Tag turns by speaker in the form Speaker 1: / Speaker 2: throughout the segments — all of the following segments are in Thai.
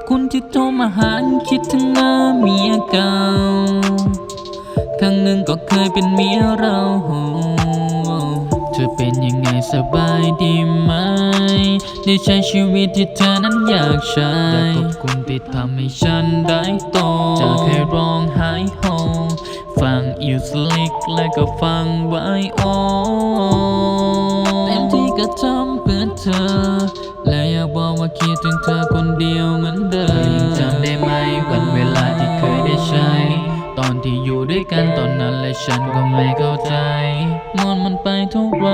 Speaker 1: คุณที่โทรมาหาคิดถึงหน้าเมียเก่าครั้งหนึ่งก็เคยเป็นเมียเราเธอเป็นยังไงสบายดีไหมได้ใช้ชีวิตที่เธอนั้นอยากใช้อยากขอบคุณที่ทำให้ฉันได้โตจากแค่ร้องไห้โฮฟังอิวสลิกและก็ฟังไวโอเต็มที่ก็ทำเพื่อเธอและอยากบอกว่าคิดถึงเธอคนเดียวเหมือนเดิมยังจำได้ไหมวันเวลาที่เคยได้ใช้ตอนที่อยู่ด้วยกันตอนนั้นและฉันก็ไม่เข้าใจมันไปเท่าไร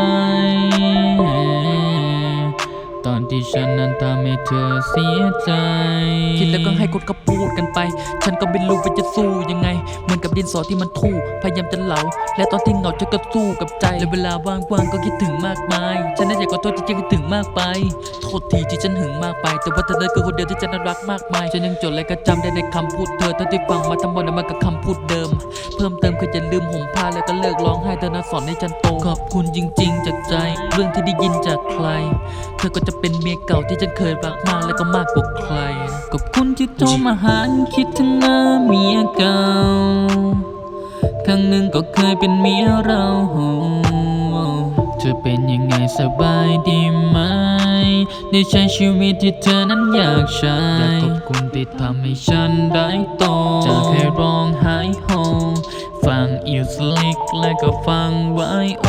Speaker 1: ตอนที่ฉันนั้นทำให้เธอเสียใจคิดแล้วก็ให้คนก็พูดกันไปฉันก็ไม่รู้ว่าจะสู้ยังไงเหมือนกับดินสอที่มันทู่พยายามจะเหลาและตอนที่เหงาฉันก็สู้กับใจและเวลาว่างๆก็คิดถึงมากมายฉันน่าอยากขอโทษที่ฉันคิดถึงมากไปโทษทีที่ฉันหึงมากไปแต่ว่าเธอคือคนเดียวที่ฉันรักมากมายฉันยังจดและก็จำได้ในคำพูดเธอทั้งที่ฟังมาทั้งหมดนั้นมันก็คำพูดเดิมเพิ่มเติมคืออย่าลืมห่มผ้าแล้วก็เลิกร้องไห้เธอนั้นสอนให้ฉันโตขอบคุณจริงๆจากใจเรื่องที่ได้ยินจากใครเธอก็จะเป็นเมียเก่าที่ฉันเคยรักมากและก็มากกว่าใครขอบคุณที่โทรมาหาคิดถึงหน้าเมียเก่าครั้งหนึ่งก็เคยเป็นเมียเราเธอเป็นยังไงสบายดีไหมได้ใช้ชีวิตที่เธอนั้นอยากใช้อยากขอบคุณที่ทำให้ฉันได้โตจากแค่ร้องไห้โฮฟังอิวสลิกและก็ฟังไวโอ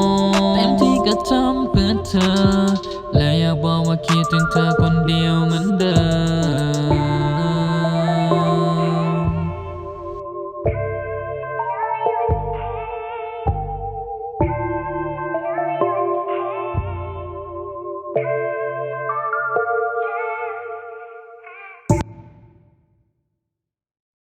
Speaker 1: เต็มที่ก็ทำเพื่อเธอและอยากบอกว่าคิดถึงเธอคนเดียวเหมือน